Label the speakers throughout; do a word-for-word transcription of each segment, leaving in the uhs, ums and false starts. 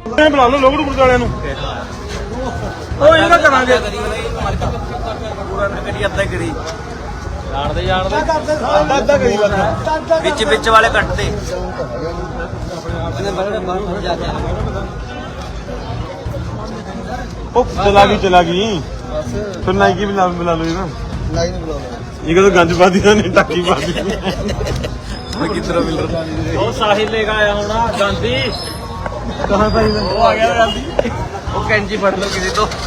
Speaker 1: बुला लो लोग गुरुद्वारे नु ओ ਇਹਦਾ ਕਰਾਂਗੇ
Speaker 2: ਅੱਧਾ ਕਰੀ ਜਾਣਦੇ ਜਾਣਦੇ
Speaker 1: ਅੱਧਾ ਅੱਧਾ ਕਰੀ ਬੰਦਾ
Speaker 2: ਵਿੱਚ ਵਿੱਚ ਵਾਲੇ ਕੱਟਦੇ
Speaker 1: ओ चला गई चला गई फिर नाई की भी बुला लो ना नाई ने बुला लो ये तो गंज पा दिया नहीं टाकी पा दी
Speaker 2: कितना मिल रहा वो साहिल लेगा आया होना गांधी
Speaker 1: कहां भाई
Speaker 2: वो आ गया गांधी वो कैंची फड़ लो किसी तो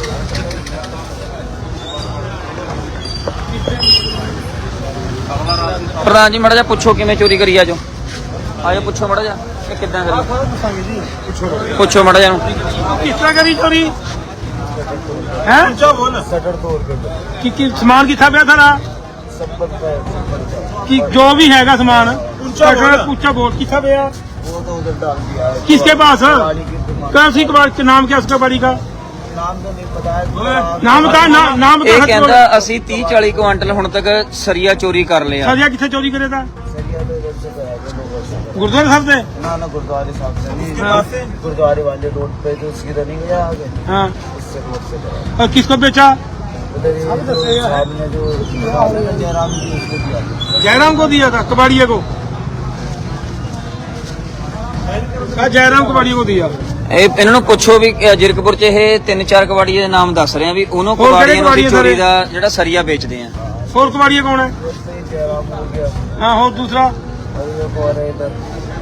Speaker 2: प्रधान जी मड़ा जा पूछो कि चोरी करी आजो आजो पूछो मड़ा जा कितना करी पूछो मड़ा जा
Speaker 1: किस तरह करी चोरी हैं बोल शटर तोड़ के कि कि सामान किथा पिया था कि जो भी हैगा सामान शटर पूछा बोल किथा पिया वो तो उधर डाल दिया किसके पास कौन सी कबाड़ी नाम क्या उसका बाड़ी का नाम तो नहीं पता है नाम बता नाम बता
Speaker 2: ਇਹ ਕਹਿੰਦਾ ਅਸੀਂ तीस चालीस ਕੁਆਂਟਲ ਹੁਣ ਤੱਕ ਸਰੀਆ ਚੋਰੀ ਕਰ ਲਿਆ
Speaker 1: सरिया किथे चोरी करे था
Speaker 3: सरिया तो इधर से गया था लोगों से
Speaker 1: गुरुद्वारे साहब से
Speaker 3: ना ना गुरुद्वारे साहब से नहीं
Speaker 1: हाँ।
Speaker 3: गुरुद्वारे वाले रोड पे जो उसकी रनिंग है आगे
Speaker 1: हाँ
Speaker 3: उससे रोड से गया
Speaker 1: और किसको बेचा
Speaker 3: उधर ये जो साहब ने जो जयराम जी उसको दिया
Speaker 1: जयराम को दिया था कबाड़िया को जयराम कबाड़िया को दिया
Speaker 2: ਇਹ ਇਹਨਾਂ ਨੂੰ ਪੁੱਛੋ ਵੀ ਜਿਰਕਪੁਰ ਚ ਇਹ ਤਿੰਨ ਚਾਰ ਕਬਾੜੀਏ ਦੇ ਨਾਮ ਦੱਸ ਰਹੇ ਆ ਵੀ ਉਹਨੂੰ
Speaker 1: ਹੋਰ ਕਿਹੜੇ
Speaker 2: ਕਬਾੜੀਆਂ ਨੂੰ
Speaker 1: ਕਬਾੜੀਏ
Speaker 2: ਚੋਰੀ ਦਾ ਜਿਹੜਾ ਸਰੀਆ ਵੇਚਦੇ ਆ
Speaker 1: और कबाड़िया कौन है
Speaker 3: उससे ही जयराम हो गया
Speaker 1: हाँ और दूसरा
Speaker 3: और ये और है इधर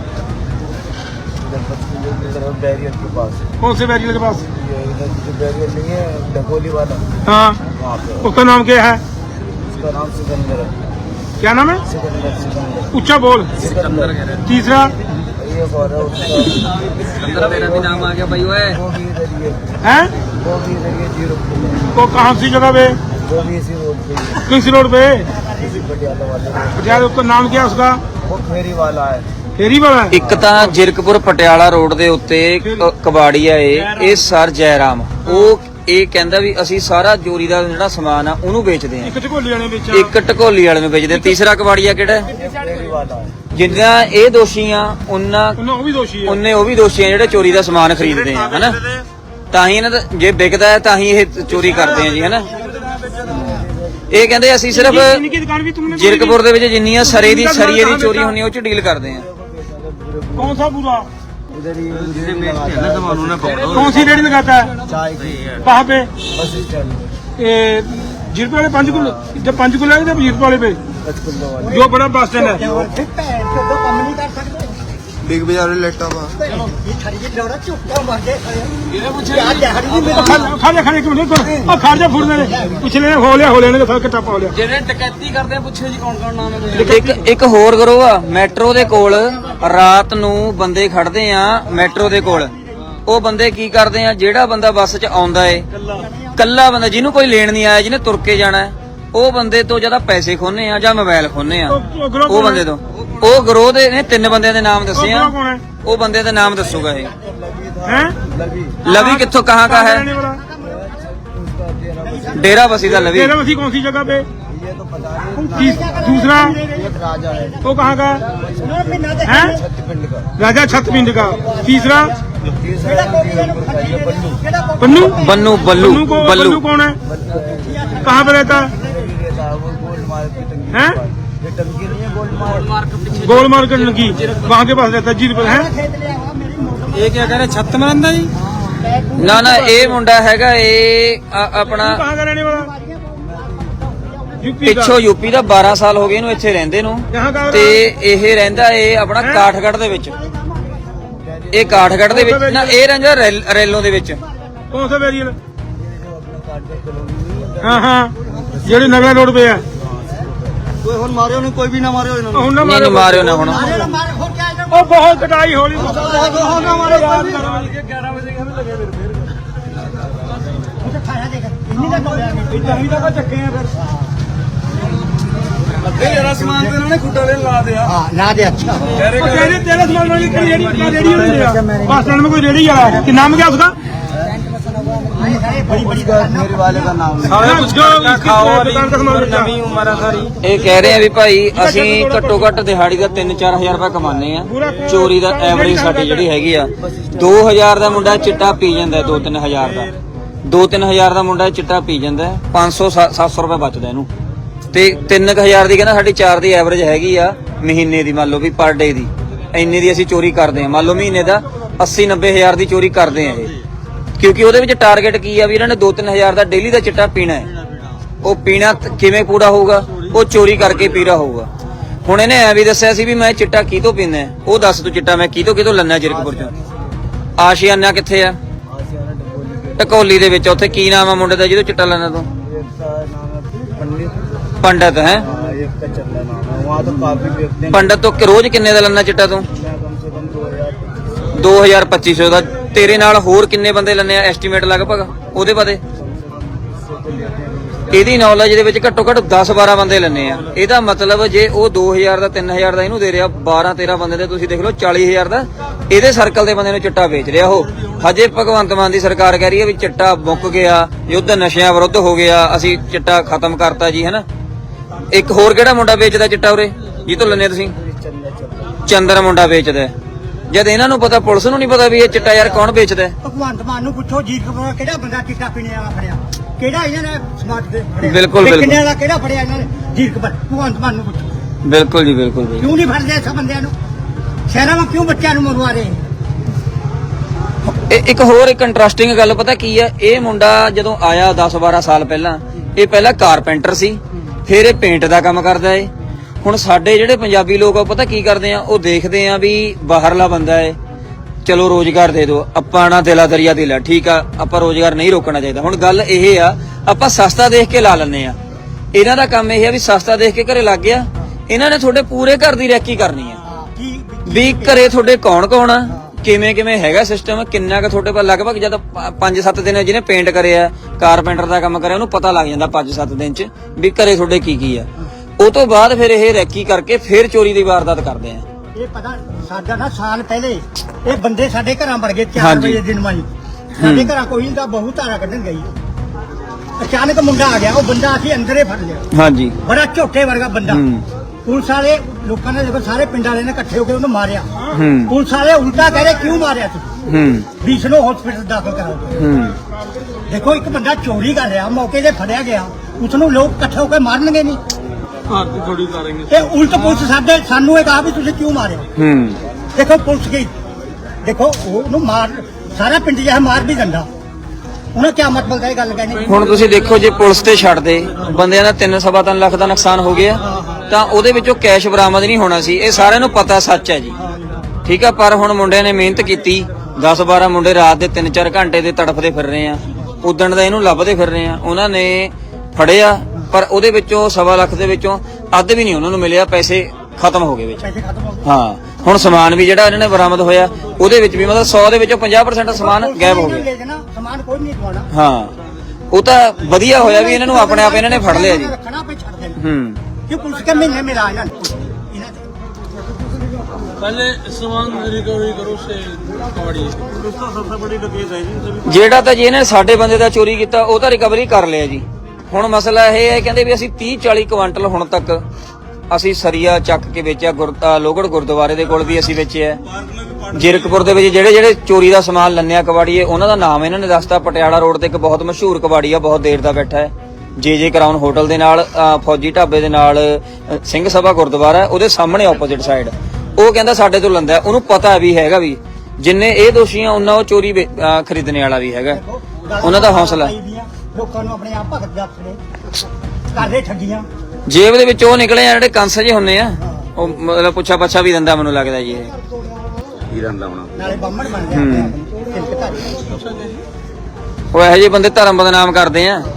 Speaker 3: इधर पश्चिम की तरफ बैरियर के पास
Speaker 1: कौन से बैरियर के पास
Speaker 3: ये इधर जो बैरियर नहीं है डकोली वाला
Speaker 1: हाँ
Speaker 3: वहाँ पे
Speaker 1: उसका नाम क्या है
Speaker 3: उसका नाम सिकंदर है
Speaker 1: क्या नाम है
Speaker 3: सिकंदर सिकंदर
Speaker 1: ऊंचा बोल
Speaker 3: सिकंदर
Speaker 1: तीसरा
Speaker 3: ये और है उसका
Speaker 2: सिकंदर मेरा भी नाम आ गया भाई ओए
Speaker 3: वो भी इधर ही है
Speaker 1: है
Speaker 3: वो भी इधर ही है जीरो
Speaker 1: तो कहाँ सी जगह पे
Speaker 3: वो भी इसी रोड पे ही है
Speaker 1: किस रोड पे
Speaker 3: इसी पटियाला वाले रोड
Speaker 1: पटियाला उसका नाम क्या है उसका
Speaker 3: वो फेरी वाला है
Speaker 1: फेरी वाला है
Speaker 2: ਇੱਕ ਤਾਂ ਜਿਰਕਪੁਰ ਪਟਿਆਲਾ ਰੋਡ ਦੇ ਉੱਤੇ ਕ- ਕਬਾੜੀਆ ਏ ਇਹ ਸਰ ਜੈਰਾਮ ਉਹ ਇਹ ਕਹਿੰਦਾ ਵੀ ਅਸੀਂ ਸਾਰਾ ਚੋਰੀ ਦਾ ਜਿਹੜਾ ਸਮਾਨ ਆ ਉਹਨੂੰ ਵੇਚਦੇ ਆ
Speaker 1: एक ਝੋਲੀ ਵਾਲੇ ਵਿੱਚ
Speaker 2: ਇੱਕ ਢਕੋਲੀ ਵਾਲੇ ਨੂੰ ਵੇਚਦੇ ਆ। ਤੀਸਰਾ ਕਬਾੜੀਆ ਕਿਹੜਾ ਹੈ?
Speaker 3: ये फेरी वाला है
Speaker 2: ਜਿੰਨਾ ਇਹ ਦੋਸ਼ੀ ਆ ਉਹਨਾਂ
Speaker 1: ਉਹਨਾਂ ਉਹ ਵੀ ਦੋਸ਼ੀ ਹੈ
Speaker 2: ਉਹਨੇ ਉਹ ਵੀ ਦੋਸ਼ੀ ਆ ਜਿਹੜੇ ਚੋਰੀ ਦਾ ਸਮਾਨ ਖਰੀਦਦੇ ਆ ਹਨਾ ਤਾਂ ਹੀ ਇਹਨਾਂ ਦਾ ਜੇ ਵਿਕਦਾ ਹੈ ਤਾਂ ਹੀ ਇਹ ਚੋਰੀ ਕਰਦੇ ਆ ਜੀ ਹਨਾ ਇਹ ਕਹਿੰਦੇ ਅਸੀਂ ਸਿਰਫ
Speaker 1: इनकी दुकान भी तुमने
Speaker 2: ਜਿਰਕਪੁਰ ਦੇ ਵਿੱਚ ਜਿੰਨੀਆਂ ਸਰੇ ਦੀ ਸਰੀਏ ਦੀ ਚੋਰੀ ਹੁੰਦੀ ਉਹ ਚ ਡੀਲ ਕਰਦੇ ਆ
Speaker 1: कौन सा पूरा
Speaker 3: इधर ही सामान
Speaker 1: कौन सी रेडी लगाता है
Speaker 3: चाय की
Speaker 1: कहाँ पे
Speaker 3: बस स्टैंड
Speaker 1: ये जीरप वाले पांच किलो जब पांच किलो है जब जीरप वाले पे
Speaker 3: पचपन वाले
Speaker 1: जो बड़ा बस स्टैंड है
Speaker 3: बिग बाजार लेटा हुआ
Speaker 1: खाने खाने के मिनट खाजा फूट दे कुछ लेने हो लिया हो लेने का सब टप्पा हो लिया
Speaker 2: ਜਿਹੜੇ ਡਕੈਤੀ ਕਰਦੇ ਆ ਪੁੱਛੋ ਜੀ ਕੌਣ ਕੌਣ ਨਾਮ ਹੈ ਇੱਕ ਇੱਕ ਹੋਰ ਕਰੋ ਆ ਮੈਟਰੋ ਦੇ ਕੋਲ ਰਾਤ ਨੂੰ ਬੰਦੇ ਖੜਦੇ ਆ ਮੈਟਰੋ ਦੇ ਕੋਲ ਉਹ ਬੰਦੇ ਕੀ ਕਰਦੇ ਆ ਜਿਹੜਾ ਬੰਦਾ ਬੱਸ 'ਚ ਆਉਂਦਾ ਏ ਕੱਲਾ ਬੰਦਾ ਜਿਹਨੂੰ ਕੋਈ ਲੈਣ ਨਹੀਂ ਆਇਆ ਜਿਹਨੇ ਤੁਰ ਕੇ ਜਾਣਾ ਹੈ, ਉਹ ਬੰਦੇ ਤੋਂ ਜਿਆਦਾ ਪੈਸੇ ਖੋਨੇ ਆ ਜਾਂ ਮੋਬਾਈਲ ਖੋਨੇ ਆ ਉਹ ਬੰਦੇ ਤੋਂ ਉਹ ਗਰੋਹ ਦੇ ਨੇ ਤਿੰਨ ਬੰਦਿਆਂ ਦੇ ਨਾਮ ਦੱਸੇ ਆ
Speaker 1: कौन है
Speaker 2: ਉਹ ਬੰਦੇ ਦੇ ਨਾਮ ਦੱਸੂਗਾ ਇਹ
Speaker 1: हैं
Speaker 2: ਲਵੀ ਕਿੱਥੋਂ ਕਹਾਂ ਕਾ ਹੈ
Speaker 1: रहने वाला
Speaker 2: ਡੇਰਾ ਬਸੀ ਦਾ ਲਵੀ
Speaker 1: तेरा मसी कौन सी जगह पे
Speaker 3: ये तो पता नहीं
Speaker 1: तीस- दूसरा
Speaker 3: ये राजा है
Speaker 1: वो कहाँ का है
Speaker 3: छत्तीसगढ़ का
Speaker 1: राजा छतपिंड का तीसरा
Speaker 3: तीसरा जीरकपुर का ये बल्लू
Speaker 1: पन्नू
Speaker 2: ਬੰਨੂ ਬੱਲੂ
Speaker 1: बल्लू को
Speaker 2: ਬੱਲू
Speaker 1: बल्लू कौन है कहाँ पे रहता है
Speaker 3: इधर ही रहता है वो गोल्ड मार्क की टंकी
Speaker 1: हैं?
Speaker 3: के पास। ये टंकी नहीं है गोल्ड मार्क
Speaker 1: गोल मार्केट की वहाँ के पास रहता है जीरो पर है
Speaker 3: ये क्या कह रहे छत में रहता जी
Speaker 2: ਨਾ ਨਾ ਇਹ ਮੁੰਡਾ ਹੈਗਾ ਇਹ ਆ- ਆਪਣਾ
Speaker 1: कहाँ का रहने वाला यूपी का
Speaker 2: ਪਿੱਛੋਂ ਯੂਪੀ ਦਾ ਬਾਰਾਂ ਸਾਲ ਹੋ ਗਏ ਇਹਨੂੰ ਇੱਥੇ ਰਹਿੰਦੇ ਨੂੰ
Speaker 1: यहाँ का
Speaker 2: ਤੇ ਇਹ ਰਹਿੰਦਾ ਇਹ ਆਪਣਾ ਕਾਠਗੜ੍ਹ ਦੇ ਵਿੱਚ ਇਹ ਕਾਠਗੜ੍ਹ ਦੇ ਵਿੱਚ ਨਾ ਇਹ ਰਹਿੰਦਾ ਰੈਲ- ਰੈਲੋਂ ਦੇ ਵਿੱਚ
Speaker 1: कौन सा वेरियल
Speaker 3: जो अपना काटगढ़ कॉलोनी है
Speaker 1: हाँ हाँ जेडी नगरा रोड पे है
Speaker 3: कोई और मारे नहीं कोई भी ना मारे
Speaker 1: ਹੁਣ ਨਾ
Speaker 2: ਨਹੀਂ ਨਹੀਂ
Speaker 1: मारो
Speaker 2: ਮਾਰਿਓ ਨਾ ਹੁਣ
Speaker 1: ओ बहुत कटाई हो रही तेरे तेरे सामान वाली रेडी रेडी हो रही है बस स्टैंड में कोई रेडी आ रहा है कि नाम क्या उसका
Speaker 3: बड़ी बड़ी मेरे वाले का नाम है।
Speaker 1: ਸਾਰਾ ਕੁਝ ਖਾਓ ਦੁਕਾਨ ਦਾ ਸਮਾਨ ਨਵੀਂ ਉਮਰ ਆ ਸਾਰੀ।
Speaker 2: ਇਹ ਕਹਿ ਰਹੇ ਆ ਵੀ ਭਾਈ ਅਸੀਂ ਘੱਟੋ ਘੱਟ ਦਿਹਾੜੀ ਦਾ ਤਿੰਨ ਚਾਰ ਹਜ਼ਾਰ ਰੁਪਏ ਕਮਾਉਂਦੇ ਆ, ਚੋਰੀ ਦਾ ਐਵਰੇਜ ਸਾਡੀ ਜਿਹੜੀ ਹੈਗੀ ਆ ਦੋ ਹਜ਼ਾਰ ਦਾ ਮੁੰਡਾ ਚਿੱਟਾ ਪੀ ਜਾਂਦਾ, ਦੋ ਤਿੰਨ ਹਜ਼ਾਰ ਦਾ ਦੋ ਤਿੰਨ ਹਜ਼ਾਰ ਦਾ ਮੁੰਡਾ ਚਿੱਟਾ ਪੀ ਜਾਂਦਾ, ਪੰਜ ਸੌ ਸੱਤ ਸੌ ਰੁਪਏ ਬਚਦਾ ਇਹਨੂੰ, ਤੇ ਤਿੰਨ ਕੁ ਹਜ਼ਾਰ ਦੀ ਕਹਿੰਦਾ ਸਾਡੀ ਚਾਰ ਦੀ ਐਵਰੇਜ ਹੈਗੀ ਆ ਮਹੀਨੇ ਦੀ, ਮੰਨ ਲਓ ਵੀ ਪਰ ਡੇ ਦੀ ਇੰਨੇ ਦੀ ਅਸੀਂ ਚੋਰੀ ਕਰਦੇ ਆ, ਮੰਨ ਲਓ ਮਹੀਨੇ ਦਾ ਅੱਸੀ ਨੱਬੇ ਹਜ਼ਾਰ ਦੀ ਚੋਰੀ ਕਰਦੇ ਆ ਇਹ, ਕਿਉਂਕਿ ਉਹਦੇ ਵਿੱਚ ਟਾਰਗੇਟ ਕੀ ਆ ਵੀ ਇਹਨਾਂ ਨੇ ਦੋ ਤਿੰਨ ਹਜ਼ਾਰ ਦਾ ਡੇਲੀ ਦਾ ਚਿੱਟਾ ਪੀਣਾ ਹੈ। ਉਹ ਪੀਣਾ ਕਿਵੇਂ ਪੂਰਾ ਹੋਊਗਾ, ਉਹ ਚੋਰੀ ਕਰਕੇ ਪੀਰਾ ਹੋਊਗਾ। ਹੁਣ ਇਹਨੇ ਐ ਵੀ ਦੱਸਿਆ ਸੀ ਵੀ ਮੈਂ ਚਿੱਟਾ ਕਿਤੋਂ ਪੀਂਦਾ, ਉਹ ਦੱਸ ਤੂੰ ਚਿੱਟਾ ਮੈਂ ਕਿਤੋਂ ਕਿਤੋਂ ਲੈਣਾ ਜੀਰਕਪੁਰ ਚੋਂ। ਆਸ਼ੀਆਨਾ ਕਿੱਥੇ ਆ? ਢਕੋਲੀ ਦੇ ਵਿੱਚ। ਉੱਥੇ ਕੀ ਨਾਮ ਆ ਮੁੰਡੇ ਦਾ ਜਿਹਦੋਂ ਚਿੱਟਾ ਲੈਣਾ ਤੂੰ? ਪੰਡਤ ਹੈ। ਪੰਡਤ ਤੋਂ ਰੋਜ਼ ਕਿੰਨੇ ਦਾ ਲੈਣਾ ਚਿੱਟਾ ਤੂੰ? ਦੋ ਹਜ਼ਾਰ ਪੱਚੀ ਸੌ ਦਾ। ਤੇਰੇ ਨਾਲ ਹੋਰ ਕਿੰਨੇ ਬੰਦੇ ਲੈਣੇ ਆ ਐਸਟੀਮੇਟ ਲਗਭਗ ਉਹਦੇ ਬਾਰੇ? ਇਹਦੀ ਨੌਲੇਜ ਦੇ ਵਿੱਚ ਘੱਟੋ ਘੱਟ ਦਸ ਬਾਰਾਂ ਬੰਦੇ ਲੈਣੇ ਆ। ਇਹਦਾ ਮਤਲਬ ਜੇ ਉਹ ਦੋ ਹਜ਼ਾਰ ਦਾ ਤਿੰਨ ਹਜ਼ਾਰ ਦਾ ਇਹਨੂੰ ਦੇ ਰਿਹਾ, ਬਾਰਾਂ ਤੇਰਾਂ ਬੰਦੇ ਦੇ ਤੁਸੀਂ ਦੇਖ ਲਓ ਚਾਲੀ ਹਜ਼ਾਰ ਦਾ ਇਹਦੇ ਸਰਕਲ ਦੇ ਬੰਦੇ ਨੂੰ ਚਿੱਟਾ ਵੇਚ ਰਿਹਾ ਉਹ। ਹਜੇ ਭਗਵੰਤ ਮਾਨ ਦੀ ਸਰਕਾਰ ਕਹਿ ਰਹੀ ਹੈ ਵੀ ਚਿੱਟਾ ਮੁੱਕ ਗਿਆ, ਯੁੱਧ ਨਸ਼ਿਆਂ ਵਿਰੁੱਧ ਹੋ ਗਿਆ, ਅਸੀਂ ਚਿੱਟਾ ਖਤਮ ਕਰਤਾ ਜੀ, ਹੈਨਾ। ਇੱਕ ਹੋਰ ਕਿਹੜਾ ਮੁੰਡਾ ਵੇਚਦਾ ਚਿੱਟਾ ਉਰੇ ਜੀ ਤੋਂ ਲੈਣੇ ਤੁਸੀਂ? ਚੰਦਰ ਮੁੰਡਾ ਵੇਚਦਾ। ਜਦ ਇਹਨਾਂ ਨੂੰ ਪਤਾ, ਪੁਲਿਸ ਨੂੰ ਨਹੀਂ ਪਤਾ ਵੀ ਇਹ ਚਿੱਟਾ ਯਾਰ ਕੌਣ ਵੇਚਦਾ?
Speaker 4: ਭਗਵੰਤ ਮਾਨ ਨੂੰ ਪੁੱਛੋ ਜੀ ਕਿਹੜਾ ਬੰਦਾ ਚਿੱਟਾ ਪੀਣੇ ਵਾਲਾ ਫੜਿਆ, ਕਿਹੜਾ ਇਹਨਾਂ ਨੇ ਸਮਾਰਟ ਦੇ ਫੜਿਆ?
Speaker 2: ਬਿਲਕੁਲ ਬਿਲਕੁਲ।
Speaker 4: ਕਿੰਨੇ ਵਾਲਾ ਕਿਹੜਾ ਫੜਿਆ ਇਹਨਾਂ ਨੇ ਜੀਰਕਪੁਰ? ਭਗਵੰਤ ਮਾਨ ਨੂੰ ਪੁੱਛੋ।
Speaker 2: ਬਿਲਕੁਲ ਜੀ ਬਿਲਕੁਲ।
Speaker 4: ਕਿਉਂ ਨਹੀਂ ਫੜਦੇ ਇਸ ਬੰਦਿਆਂ ਨੂੰ? ਸ਼ਹਿਰਾਂ ਵਿੱਚ ਕਿਉਂ ਬੱਚਿਆਂ ਨੂੰ ਮਰਵਾ ਰਹੇ?
Speaker 2: ਇਹ ਇੱਕ ਹੋਰ ਇੱਕ ਇੰਟਰਸਟਿੰਗ ਗੱਲ ਪਤਾ ਕੀ ਹੈ, ਇਹ ਮੁੰਡਾ ਜਦੋਂ ਆਇਆ ਦਸ ਬਾਰਾਂ ਸਾਲ ਪਹਿਲਾਂ, ਇਹ ਪਹਿਲਾਂ ਕਾਰਪੈਂਟਰ ਸੀ, ਫਿਰ ਇਹ ਪੇਂਟ ਦਾ ਕੰਮ ਕਰਦਾ ਏ। ਹੁਣ ਸਾਡੇ ਜਿਹੜੇ ਪੰਜਾਬੀ ਲੋਕ ਆ ਪਤਾ ਕੀ ਕਰਦੇ ਆ, ਉਹ ਦੇਖਦੇ ਆ ਵੀ ਬਾਹਰਲਾ ਬੰਦਾ ਏ, ਚਲੋ ਰੋਜ਼ਗਾਰ ਦੇ ਦਿਓ, ਆਪਾਂ ਨਾ ਦਿਲਾ ਦਰਿਆ ਦਿਲਾ, ਠੀਕ ਆ, ਆਪਾਂ ਰੋਜ਼ਗਾਰ ਨਹੀਂ ਰੋਕਣਾ ਚਾਹੀਦਾ। ਹੁਣ ਗੱਲ ਇਹ ਆ, ਆਪਾਂ ਸਸਤਾ ਦੇਖ ਕੇ ਲਾ ਲੈਂਦੇ ਆ। ਇਹਨਾਂ ਦਾ ਕੰਮ ਇਹ ਆ ਵੀ ਸਸਤਾ ਦੇਖ ਕੇ ਘਰੇ ਲੱਗ ਗਿਆ, ਇਹਨਾਂ ਨੇ ਤੁਹਾਡੇ ਪੂਰੇ ਘਰ ਦੀ ਰੈਕੀ ਕਰਨੀ ਆ ਵੀ ਘਰੇ ਤੁਹਾਡੇ ਕੌਣ ਕੌਣ ਆ, ਕਿਵੇਂ ਕਿਵੇਂ ਹੈਗਾ ਸਿਸਟਮ, ਕਿੰਨਾ ਕੁ ਤੁਹਾਡੇ ਕੋਲ ਲਗਭਗ ਜਦ ਪੰਜ ਸੱਤ ਦਿਨ ਜਿਹਨੇ ਪੇਂਟ ਕਰਿਆ, ਕਾਰਪੈਂਟਰ ਦਾ ਕੰਮ ਕਰਿਆ, ਉਹਨੂੰ ਪਤਾ ਲੱਗ ਜਾਂਦਾ ਪੰਜ ਸੱਤ ਦਿਨ ਚ ਵੀ ਘਰੇ ਤੁਹਾਡੇ ਕੀ ਕੀ ਆ। ਉਹ ਤੋਂ ਬਾਅਦ ਫਿਰ ਇਹ ਰੈਕੀ ਕਰਕੇ ਫਿਰ ਚੋਰੀ ਦੀ ਵਾਰਦਾਤ ਕਰਦੇ ਆ।
Speaker 4: ਇਹ ਪਤਾ ਸਾਡਾ ਨਾ ਸਾਲ ਪਹਿਲੇ ਇਹ ਬੰਦੇ ਸਾਡੇ ਘਰਾਂ ਵੜ ਗਏ ਚਾਰ
Speaker 2: ਹਾਂਜੀ।
Speaker 4: ਵਜੇ ਦਿਨ ਮਾਈ ਸਾਡੇ ਘਰਾਂ ਕੋਈ ਦਾ ਬਹੁਤ ਧਾਰਾ ਕੱਢਣ ਗਈ। ਅਚਾਨਕ ਮੁੰਡਾ ਆ ਗਿਆ, ਉਹ ਬੰਦਾ ਅਸੀਂ ਅੰਦਰੇ ਫੜ ਲਿਆ।
Speaker 2: ਹਾਂਜੀ।
Speaker 4: ਬੜਾ ਝੋਟੇ ਵਰਗਾ ਬੰਦਾ।
Speaker 2: ਹੂੰ।
Speaker 4: ਪੁਲਿਸ ਵਾਲੇ ਲੋਕਾਂ ਨੇ ਦੇਖੋ ਸਾਰੇ ਪਿੰਡ ਵਾਲੇ ਨੇ ਇਕੱਠੇ ਹੋ ਕੇ ਉਹਨੂੰ ਮਾਰਿਆ।
Speaker 2: ਹੂੰ।
Speaker 4: ਪੁਲਿਸ ਵਾਲੇ ਉਲਟਾ ਕਹਿ ਰਹੇ ਕਿਉਂ ਮਾਰਿਆ ਤੁਸੀਂ?
Speaker 2: ਹੂੰ।
Speaker 4: ਬੀਸ ਨੂੰ ਹਸਪੀਟਲ ਦਾਖਲ ਕਰਾਓ।
Speaker 2: ਹੂੰ।
Speaker 4: ਦੇਖੋ ਇੱਕ ਬੰਦਾ ਚੋਰੀ ਕਰ ਰਿਹਾ, ਮੌਕੇ ਤੇ ਫੜਿਆ ਗਿਆ, ਉਸ ਨੂੰ ਲੋਕ ਇਕੱਠੇ ਹੋ ਕੇ ਮਾਰਨਗੇ ਨਹੀਂ?
Speaker 1: ਥੋੜੀ ਕਰਾਂਗੇ।
Speaker 4: ਤੇ ਉਲਟ ਪੁਲਿਸ ਸਾਡੇ ਸਾਨੂੰ ਇਹ ਕਹਾ ਵੀ ਤੁਸੀਂ ਕਿਉਂ ਮਾਰਿਆ?
Speaker 2: ਹੂੰ।
Speaker 4: ਦੇਖੋ ਪੁਲਿਸ ਗਈ, ਦੇਖੋ ਉਹਨੂੰ ਮਾਰ, ਸਾਰਾ ਪਿੰਡ ਜਿਹਾ ਮਾਰ ਵੀ ਦਿੰਦਾ, ਉਹਨੇ ਕਿਆ ਮਤਲਬ ਹੈ ਗੱਲ ਕਹਿਣੀ?
Speaker 2: ਹੁਣ ਤੁਸੀਂ ਦੇਖੋ ਜੇ ਪੁਲਿਸ ਤੇ ਛੱਡ ਦੇ ਬੰਦਿਆਂ ਦਾ ਤਿੰਨ ਸਵਾ ਤਿੰਨ ਲੱਖ ਦਾ ਨੁਕਸਾਨ ਹੋ ਗਿਆ ਤਾਂ ਉਹਦੇ ਵਿੱਚੋਂ ਕੈਸ਼ ਬਰਾਮਦ ਨਹੀਂ ਹੋਣਾ ਸੀ। ਇਹ ਸਾਰਿਆਂ ਨੂੰ ਪਤਾ ਸੱਚ ਹੈ ਜੀ, ਠੀਕ ਆ। ਪਰ ਹੁਣ ਮੁੰਡਿਆਂ ਨੇ ਮਿਹਨਤ ਕੀਤੀ, ਦਸ ਬਾਰਾਂ ਮੁੰਡੇ ਰਾਤ ਦੇ ਤਿੰਨ ਚਾਰ ਘੰਟੇ ਦੇ ਤੜਫਦੇ ਫਿਰ ਰਹੇ ਆ, ਉਦਣ ਦਾ ਇਹਨੂੰ ਲੱਭਦੇ ਫਿਰ ਰਹੇ ਆ। ਉਹਨਾਂ ਨੇ ਫੜਿਆ ਪਰ ਉਹਦੇ ਵਿੱਚੋਂ ਸਵਾ ਲੱਖ ਦੇ ਵਿੱਚੋਂ ਅੱਧ ਵੀ ਨਹੀਂ ਉਹਨਾਂ ਨੂੰ ਮਿਲਿਆ, ਪੈਸੇ ਖਤਮ ਹੋ ਗਏ ਵਿੱਚ।
Speaker 4: ਪੈਸੇ ਖਤਮ ਹੋ ਗਏ।
Speaker 2: ਹਾਂ। ਹੁਣ ਸਮਾਨ ਵੀ ਜਿਹੜਾ ਇਹਨਾਂ ਨੇ ਬਰਾਮਦ ਹੋਇਆ ਉਹਦੇ ਵਿੱਚ ਵੀ ਮਤਲਬ ਸੌ ਦੇ ਵਿੱਚੋਂ ਪੰਜਾਹ ਪ੍ਰਸੈਂਟ ਸਮਾਨ ਗਾਇਬ ਹੋ ਗਿਆ।
Speaker 4: ਲੈ ਜਾਣਾ, ਸਮਾਨ ਕੋਈ ਨਹੀਂ ਦਵਾਉਣਾ।
Speaker 2: ਹਾਂ, ਉਹ ਤਾਂ ਵਧੀਆ ਹੋਇਆ ਵੀ ਇਹਨਾਂ ਨੂੰ ਆਪਣੇ ਆਪ ਇਹਨਾਂ ਨੇ ਫੜ ਲਿਆ ਜੀ।
Speaker 4: ਰੱਖਣਾ ਪੇ ਛੱਡ ਦੇਣਾ
Speaker 2: ਹੂੰ।
Speaker 4: ਕਿ ਪੁਲਿਸ ਕੇ ਮਹੀਨੇ ਮੇਰਾ ਇਹਨਾਂ ਨੇ
Speaker 1: पहले सामान रिकवरी करो से कबाड़ी सबसे बड़ी डकैत है जी।
Speaker 2: ਜਿਹੜਾ ਤਾਂ ਜੀ ਇਹਨੇ ਸਾਡੇ ਬੰਦੇ ਦਾ ਚੋਰੀ ਕੀਤਾ ਉਹ ਤਾਂ ਰਿਕਵਰੀ ਕਰ ਲਿਆ ਜੀ। ਹੁਣ ਮਸਲਾ ਇਹ ਹੈ, ਕਹਿੰਦੇ ਵੀ ਅਸੀਂ ਤੀਹ ਚਾਲੀ ਕੁਇੰਟਲ ਹੁਣ ਤੱਕ ਅਸੀਂ ਸਰੀਆ ਚੱਕ ਕੇ ਵੇਚਿਆ, ਗੁਰਦਾ ਲੋਗੜ ਗੁਰਦੁਆਰੇ ਦੇ ਕੋਲ ਵੀ ਅਸੀਂ ਵੇਚਿਆ। ਜੀਰਕਪੁਰ ਦੇ ਵਿੱਚ ਜਿਹੜੇ ਜਿਹੜੇ ਚੋਰੀ ਦਾ ਸਮਾਨ ਲੰਨਿਆ ਕਬਾੜੀਏ ਉਹਨਾਂ ਦਾ ਨਾਮ ਇਹਨਾਂ ਨੇ ਦੱਸਤਾ। ਪਟਿਆਲਾ ਰੋਡ ਤੇ ਇੱਕ ਬਹੁਤ ਮਸ਼ਹੂਰ ਕਬਾੜੀ ਆ, ਬਹੁਤ ਦੇਰ ਦਾ ਬੈਠਾ ਹੈ, ਜੇ ਜੇ ਕਰਾਊਨ ਹੋਟਲ ਦੇ ਨਾਲ, ਫੌਜੀ ਢਾਬੇ ਦੇ ਨਾਲ ਸਿੰਘ ਸਭਾ ਗੁਰਦੁਆਰਾ ਉਹਦੇ ਸਾਹਮਣੇ ਆਪੋਜ਼ਿਟ ਸਾਈਡ। ਉਹ ਕਹਿੰਦਾ ਸਾਡੇ ਤੋਂ ਲੰਦਾ, ਉਹਨੂੰ ਪਤਾ ਵੀ ਹੈਗਾ ਵੀ ਜਿੰਨੇ ਇਹ ਦੋਸ਼ੀ ਆ ਉਹਨਾਂ ਉਹ ਚੋਰੀ ਖਰੀਦਣੇ ਵਾਲਾ ਵੀ ਹੈਗਾ। ਉਹਨਾਂ ਦਾ ਹੌਸਲਾ,
Speaker 4: ਲੋਕਾਂ ਨੂੰ ਆਪਣੇ ਆਪ ਭਗਤ ਜਾਪਦੇ ਕਰਦੇ ਠੱਗੀਆਂ।
Speaker 2: ਜੇਬ ਦੇ ਵਿੱਚ ਉਹ ਨਿਕਲੇ ਆ ਜਿਹੜੇ ਕੰਸ ਜੇ ਹੁੰਨੇ ਆ, ਉਹ ਮਤਲਬ ਪੁੱਛਾ ਪੱਛਾ ਵੀ ਦਿੰਦਾ ਮੈਨੂੰ ਲੱਗਦਾ ਜੀ। ਇਹ
Speaker 3: ਕੀ ਰੰਦਾ ਹੋਣਾ
Speaker 4: ਨਾਲੇ ਬੰਮਣ ਬਣ ਗਿਆ
Speaker 2: ਉਹ ਇਹੋ ਜਿਹੇ ਬੰਦੇ ਧਰਮ ਬਦਨਾਮ ਕਰਦੇ ਆ।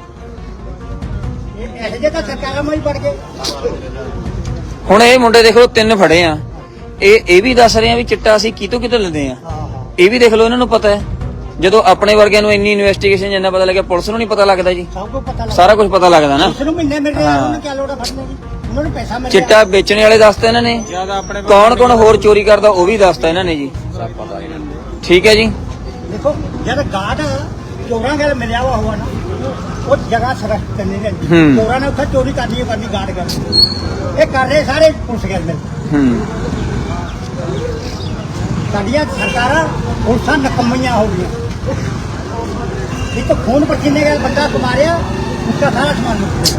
Speaker 4: ਇਹ ਇਹੋ ਜਿਹੇ ਤਾਂ ਸਰਕਾਰਾਂ ਮਾਈ ਪੜ ਗਏ।
Speaker 2: ਹੁਣ ਇਹ ਮੁੰਡੇ ਦੇਖ ਲਓ ਤਿੰਨ ਫੜੇ ਆ, ਇਹ ਇਹ ਵੀ ਦੱਸ ਰਹੇ ਆ ਵੀ ਚਿੱਟਾ ਅਸੀਂ ਕਿਤੋਂ ਕਿਤੋਂ ਲੈਂਦੇ ਆ। ਇਹ ਵੀ ਦੇਖ ਲਓ ਇਹਨਾਂ ਨੂੰ ਪਤਾ ਹੈ। ਜਦੋਂ ਆਪਣੇ ਵਰਗਿਆਂ ਨੂੰ ਇੰਨੀ ਇਨਵੈਸਟੀਗੇਸ਼ਨ ਜਿੰਨਾ ਪਤਾ ਲੱਗਿਆ, ਪੁਲਿਸ ਨੂੰ ਨਹੀਂ ਪਤਾ ਲੱਗਦਾ ਜੀ।
Speaker 4: ਸਭ ਕੁਝ ਪਤਾ ਲੱਗ
Speaker 2: ਸਾਰਾ ਕੁਝ ਪਤਾ ਲੱਗਦਾ ਨਾ।
Speaker 4: ਉਸ ਨੂੰ ਮਹੀਨੇ ਮਿਲ ਰਿਹਾ, ਉਹਨੂੰ ਕੀ ਲੋੜ ਹੈ ਫੜਨੇ ਦੀ? ਉਹਨਾਂ ਨੂੰ ਪੈਸਾ ਮਿਲ ਰਿਹਾ।
Speaker 2: ਚਿੱਟਾ ਵੇਚਣ ਵਾਲੇ ਦੱਸਤਾ ਇਹਨਾਂ ਨੇ, ਕੌਣ ਕੌਣ ਹੋਰ ਚੋਰੀ ਕਰਦਾ ਉਹ ਵੀ ਦੱਸਤਾ ਇਹਨਾਂ ਨੇ ਜੀ। ਠੀਕ ਹੈ ਜੀ।
Speaker 4: ਦੇਖੋ ਜਦ ਗਾਰਡ ਚੋਰਾਂ ਨਾਲ ਮਿਲਿਆ ਵਾ ਹੋਆ ਨਾ ਉਹ ਜਗ੍ਹਾ ਸਰਸਤ ਕਰਨੀ ਰਹਿੰਦੀ
Speaker 2: ਹੂੰ।
Speaker 4: ਚੋਰਾਂ ਨੇ ਉੱਥੇ ਚੋਰੀ ਕਰਨੀ ਹੈ ਕਰਨੀ ਗਾਰਡ ਕਰਨੀ ਇਹ ਕਰ ਰਹੇ ਸਾਰੇ ਪੁਲਿਸ ਗੱਲ ਮਿਲ
Speaker 2: ਹੂੰ
Speaker 4: ਸਾਡੀਆਂ ਸਰਕਾਰਾਂ ਪੁਲਿਸਾਂ ਨਕਮੀਆਂ ਹੋ ਗਈਆਂ ਇੱਕ ਖੂਨ ਪਸੀਨੇ ਨਾਲ ਬੰਦਾ ਕੁਮਾਰਿਆ ਉਸਦਾ ਸਾਰਾ ਸਮਾਨ ਮੁੱਕ ਗਿਆ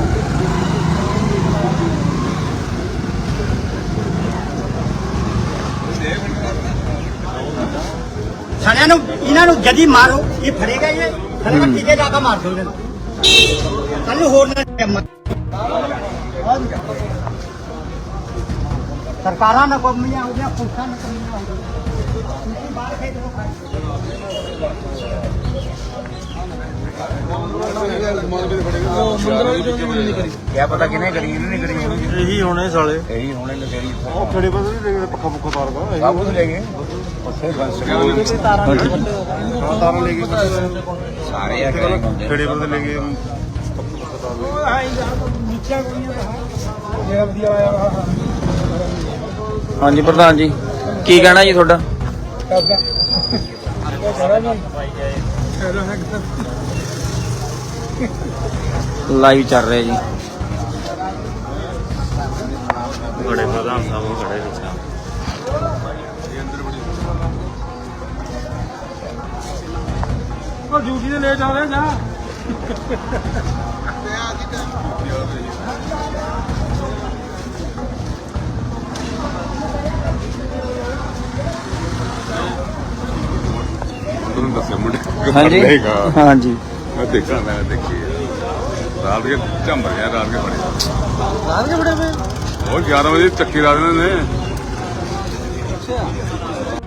Speaker 4: ਸਾਰਿਆਂ ਨੂੰ ਇਹਨਾਂ ਨੂੰ ਜਦੀ ਮਾਰੋ ਇਹ ਫੜੇਗਾ ਇਹ ਸਾਰੇ ਬੱਚੇ ਦੇ ਜਾ ਕੇ ਮਾਰ ਦੋ ਇਹਨਾਂ ਕੱਲ ਨੂੰ ਹੋਰ ਨਾ ਜੰਮ ਸਰਕਾਰਾਂ ਨਕਮੀਆਂ ਹੋ ਗਈਆਂ ਪੁਲਿਸਾਂ ਨਕਮੀਆਂ ਹੋ ਗਈਆਂ ਤੁਸੀਂ ਬਾਹਰ ਖੇਡ ਲੋ
Speaker 3: क्या पता किने करी इन्होंने करी
Speaker 1: ਇਹੀ ਹੋਣੇ ਸਾਲੇ
Speaker 3: यही होने ने करी
Speaker 1: ਉਹ ਖੜੇ ਬਦਲ ਨਹੀਂ ਪੱਖਾ ਪੁੱਖਾ ਤਾਰ ਦਾ
Speaker 3: सब कुछ ले गए और फिर बस
Speaker 1: ਤਾਰਾਂ ਲੈ ਗਏ
Speaker 3: सारे आके
Speaker 1: ਖੜੇ ਬਦਲ ਲੈ ਗਏ
Speaker 2: ਹਾਂਜੀ ਪ੍ਰਧਾਨ ਜੀ ਕੀ ਕਹਿਣਾ ਜੀ ਤੁਹਾਡਾ ਲਾਈਵ ਚੱਲ ਰਿਹਾ ਜੀ
Speaker 1: ਬੜੇ ਪ੍ਰਧਾਨ ਸਾਹਿਬ ਖੜੇ ਵਿੱਚ ਉਹ ਡਿਊਟੀ ਤੇ ਲੇਟ ਆ ਰਿਹਾ ਜਾ
Speaker 5: ਤੁਹਾਨੂੰ ਦੱਸਿਆ ਮੁੰਡੇ
Speaker 2: ਹਾਂਜੀ
Speaker 5: ਲਏਗਾ
Speaker 2: ਹਾਂਜੀ
Speaker 5: ਮੈਂ ਦੇਖਾਂ ਮੈਂ ਦੇਖੀ ਰਾਤ ਕੇ ਝੰਬਰ ਗਿਆ ਰਾਤ ਕੇ ਬੜੇ
Speaker 1: ਰਾਤ ਕੇ ਬੜੇ ਪਏ
Speaker 5: ਉਹ ਗਿਆਰਾਂ ਵਜੇ ਚੱਕੀ ਲਾ ਦਿੰਦੇ ਨੇ
Speaker 1: ਅੱਛਾ